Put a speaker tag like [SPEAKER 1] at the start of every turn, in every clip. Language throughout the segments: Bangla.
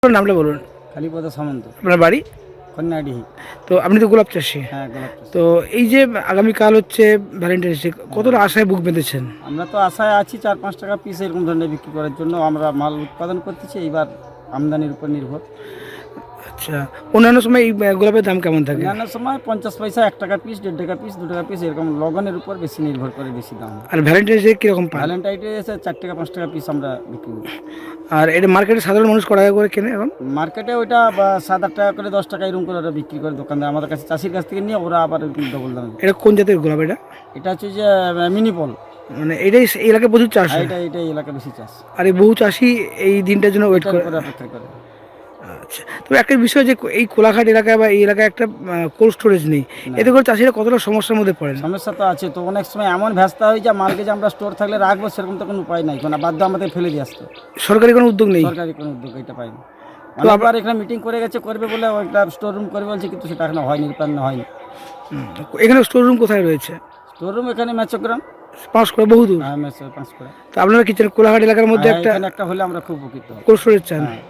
[SPEAKER 1] আপনার নামটা বলুন।
[SPEAKER 2] কালীপদ সামন্ত,
[SPEAKER 1] আপনার বাড়ি?
[SPEAKER 2] কন্যাডিহি।
[SPEAKER 1] তো আপনি তো গোলাপ চাষি।
[SPEAKER 2] হ্যাঁ, গোলাপ চাষ।
[SPEAKER 1] তো এই যে আগামীকাল হচ্ছে ভ্যালেন্টাইন্স ডে, কতটা আশায় বুক বেঁধেছেন?
[SPEAKER 2] আমরা তো আশায় আছি 4-5 টাকা পিস এরকম ধরনের বিক্রি করার জন্য আমরা মাল উৎপাদন করতেছি, এইবার আমদানির উপর নির্ভর।
[SPEAKER 1] আচ্ছা, অন্যান্য সময় এই গোলাপের দাম কেমন থাকে?
[SPEAKER 2] অন্যান্য সময় 50 পয়সা, 1 টাকা পিস, 1.5 টাকা পিস, 2 টাকা পিস, এরকম লগনের উপর বেশি নির্ভর করে, বেশি দাম।
[SPEAKER 1] আর ভ্যালেন্টাইন্স ডে কীরকম পান?
[SPEAKER 2] ভ্যালেন্টাইনে এসে 4 টাকা 5 টাকা পিস আমরা বিক্রি করি।
[SPEAKER 1] আর এটা মার্কেটে সাধারণ মানুষ কত টাকা করে কেনে এখন?
[SPEAKER 2] মার্কেটে ওইটা 7-8 টাকা করে, 10 টাকা এরকম করে ওরা বিক্রি করে দোকানদার, আমাদের কাছে চাষির কাছ থেকে নিয়ে ওরা আবার ডবল দাম।
[SPEAKER 1] এটা কোন জাতের গোলাপ এটা?
[SPEAKER 2] এটা হচ্ছে যে মিনিপল।
[SPEAKER 1] মানে এটাই এই এলাকায় প্রচুর চাষ হয়।
[SPEAKER 2] এটা এলাকা বেশি চাষ,
[SPEAKER 1] আর এই বহু চাষি এই দিনটার জন্য ওয়েট
[SPEAKER 2] এটার
[SPEAKER 1] করে।
[SPEAKER 2] উপরে অপেক্ষা করে।
[SPEAKER 1] আচ্ছা, তবে একটা বিষয় যে এই কোলাঘাট এলাকায় বা এই এলাকায় একটা কোল্ড স্টোরেজ নেই, এতে করে চাষিরা কতটা সমস্যার মধ্যে পড়েন?
[SPEAKER 2] সমস্যা তো আছে, তো অনেক সময় এমন ব্যস্ত হয়ে যায় মালকে যে আমরা স্টোর থাকলে রাখবো, সেরকম তো কোনো উপায় নাই, কোনো বাধ্য আমাদের ফেলে দিয়ে আসতে।
[SPEAKER 1] সরকারি কোনো উদ্যোগ নেই?
[SPEAKER 2] সরকারি কোনো উদ্যোগ এটা পাইনি। অনেকবার এখানে মিটিং করে গেছে, করবে বলে একটা স্টোর রুম করবে বলছে, কিন্তু সেটা এখনো হয়নি, রূপায়ণ হয়নি।
[SPEAKER 1] এখানে স্টোর রুম কোথায় রয়েছে?
[SPEAKER 2] স্টোর রুম এখানে মেচগ্রাম,
[SPEAKER 1] পাঁচ করে বহু দূর।
[SPEAKER 2] হ্যাঁ, 5 করে।
[SPEAKER 1] তো আপনারা কি চান কোলাঘাট এলাকার মধ্যে
[SPEAKER 2] হ্যাঁ,
[SPEAKER 1] একটা
[SPEAKER 2] এখানে একটা হলে আমরা খুব উপকৃত হব।
[SPEAKER 1] কোল্ড স্টোরেজ চান?
[SPEAKER 2] হ্যাঁ।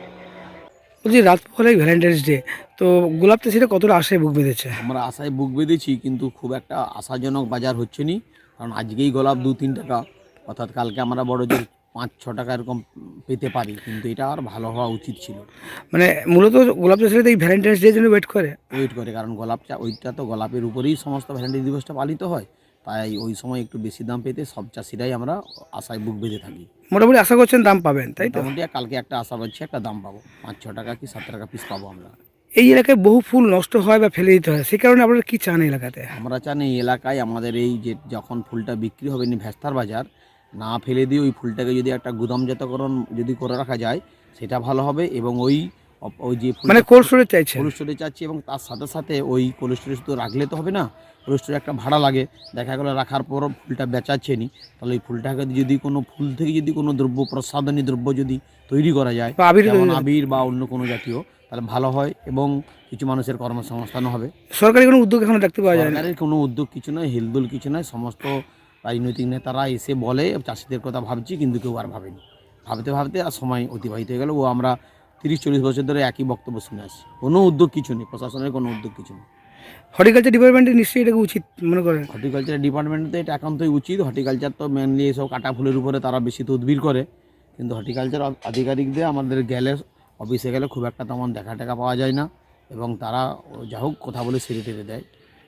[SPEAKER 1] বলছি, রাত পোহালেই ভ্যালেন্টাইন্স ডে, তো গোলাপ চাষিরা কতটা আশায় বুক বেঁধেছে?
[SPEAKER 3] আমরা আশায় বুক বেঁধেছি, কিন্তু খুব একটা আশাজনক বাজার হচ্ছে নি। কারণ আজকেই গোলাপ 2-3 টাকা, অর্থাৎ কালকে আমরা বড় জোর 5-6 টাকা এরকম পেতে পারি, কিন্তু এটা আর ভালো হওয়া উচিত ছিল।
[SPEAKER 1] মানে মূলত গোলাপ চাষিরা তো এই ভ্যালেন্টাইন্স ডে জন্য ওয়েট করে।
[SPEAKER 3] ওয়েট করে, কারণ ওইটা তো গোলাপের উপরেই সমস্ত ভ্যালেন্টাইন দিবসটা পালিত হয়, তাই ওই সময় একটু বেশি দাম পেতে সব চাষিরাই আমরা আশায় বুক বেঁধে থাকি।
[SPEAKER 1] মোটামুটি আশা করছেন দাম পাবেন, তাই তো?
[SPEAKER 3] মোটামুটি কালকে একটা আশা পাচ্ছি, একটা দাম পাবো, 5-6 টাকা কি 7 টাকা পিস পাবো আমরা।
[SPEAKER 1] এই এলাকায় বহু ফুল নষ্ট হয় বা ফেলে দিতে হয়, সেই কারণে আপনারা কি চান এলাকাতে?
[SPEAKER 3] আমরা চান এই এলাকায় আমাদের এই যে যখন ফুলটা বিক্রি হবে ভ্যাস্তার বাজার না ফেলে দিয়ে ওই ফুলটাকে যদি একটা গুদামজাতকরণ যদি করে রাখা যায়, সেটা ভালো হবে। এবং ওই ওই যে
[SPEAKER 1] মানে কোল্ড স্টোরেজ চাইছে?
[SPEAKER 3] কোল্ড স্টোরেজ চাচ্ছি, এবং তার সাথে সাথে ওই কোল্ড স্টোরেজ তো রাখলে তো হবে না, কোল্ড স্টোরে একটা ভাড়া লাগে। দেখা গেলো রাখার পরও ফুলটা বেচাচ্ছে নি, তাহলে ওই ফুলটাকে যদি কোনো ফুল থেকে যদি কোনো দ্রব্য, প্রসাধনী দ্রব্য যদি তৈরি করা যায়, যেমন আবির বা অন্য কোনো জাতীয়, তাহলে ভালো হয় এবং কিছু মানুষের কর্মসংস্থানও হবে।
[SPEAKER 1] সরকারি কোনো উদ্যোগ এখনো দেখতে পাওয়া যায় না?
[SPEAKER 3] সরকারের কোনো উদ্যোগ কিছু নয়, হেলদোল কিছু নয়। সমস্ত রাজনৈতিক নেতারা এসে বলে চাষিদের কথা ভাবছি, কিন্তু কেউ আর ভাবেনি। ভাবতে ভাবতে আর সময় অতিবাহিত হয়ে গেল। আমরা 30-40 বছর ধরে একই বক্তব্য শুনে আসছি, কোনো উদ্যোগ কিছু নেই, প্রশাসনের কোনো উদ্যোগ কিছু নেই।
[SPEAKER 1] হর্টিকালচার ডিপার্টমেন্টে নিশ্চয়ই এটাকে উচিত মনে করেন?
[SPEAKER 3] হর্টিকালচার ডিপার্টমেন্টে এটা একান্তই উচিত। হর্টিকালচার তো মেনলি এসব কাটা ফুলের উপরে তারা বেশি তদবির করে, কিন্তু হর্টিকালচার আধিকারিকদের আমাদের গেলে, অফিসে গেলে খুব একটা তেমন দেখা টেকা পাওয়া যায় না, এবং তারা যা হোক কথা বলে সেরে টেরে দেয়।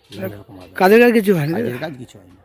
[SPEAKER 1] কাজের কাজ কিছু হয় না?
[SPEAKER 3] কাজের কাজ কিছু হয় না।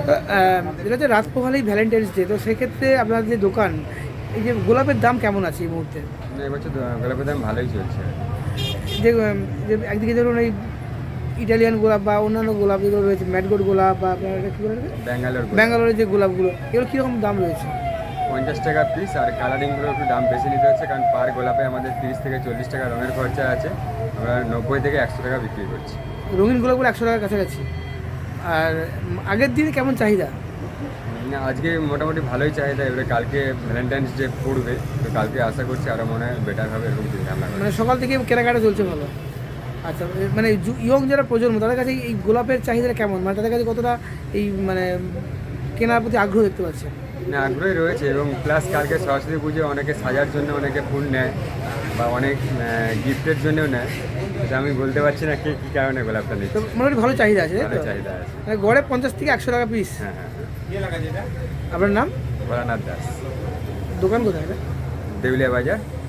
[SPEAKER 1] এটা হচ্ছে রাত পোহালেই ভ্যালেন্টাইন্স ডে, তো সেক্ষেত্রে আপনার যে দোকান, এই যে গোলাপের দাম কেমন আছে এই মুহূর্তে?
[SPEAKER 4] এবছর গোলাপের দাম ভালোই চলছে।
[SPEAKER 1] যে যে একদিকে ধরুন এই ইটালিয়ান গোলাপ বা অন্যান্য গোলাপ যেগুলো রয়েছে, ম্যাডগোড গোলাপ বা আপনার এটা কী বলে, ব্যাঙ্গালোরের যে গোলাপগুলো, এগুলো কীরকম দাম রয়েছে?
[SPEAKER 4] 50 টাকা পিস। আর কালারিংগুলো একটু দাম বেশি নিতে হচ্ছে, কারণ পার গোলাপে আমাদের 30 থেকে 40 টাকা রঙের খরচা আছে। আমরা 90 থেকে 100 টাকা বিক্রি করছি।
[SPEAKER 1] রঙিন গোলাপগুলো 100 টাকার কাছাকাছি। আর আগের দিনে কেমন চাহিদা?
[SPEAKER 4] না, আজকে মোটামুটি ভালোই চাহিদা। এবারে কালকে ভ্যালেন্টাইন্স ডে পড়বে, তো কালকে আশা করছি আরও মনে হয় বেটার হবে, এরকম চিন্তা ভাবনা করছি।
[SPEAKER 1] মানে সকাল থেকে কেনাকাটা চলছে ভালো? আচ্ছা, মানে ইয়ং যারা প্রজন্ম, তাদের কাছে এই গোলাপের চাহিদাটা কেমন, মানে তাদের কাছে কতটা এই মানে কেনার প্রতি আগ্রহ দেখতে পাচ্ছে?
[SPEAKER 4] না, আগ্রহী রয়েছে, এবং প্লাস কালকে সরস্বতী পুজো অনেকে সাজার জন্য অনেকে ফুল নেয়, বা অনেক গিফটের জন্যও নেয়। এটা আমি বলতে পারছি না কী কারণে গোলাপটা
[SPEAKER 1] তো
[SPEAKER 4] নিচ্ছে।
[SPEAKER 1] মোটামুটি ভালো চাহিদা আছে, তাই
[SPEAKER 4] ভালো
[SPEAKER 1] তো?
[SPEAKER 4] চাহিদা আছে।
[SPEAKER 1] মানে গড়ে 50 থেকে 100 টাকা পিস।
[SPEAKER 4] হ্যাঁ হ্যাঁ।
[SPEAKER 1] আপনার নাম?
[SPEAKER 4] ভোলানাথ দাস,
[SPEAKER 1] দোকান কোথায় এটা?
[SPEAKER 4] দেউলিয়া বাজার,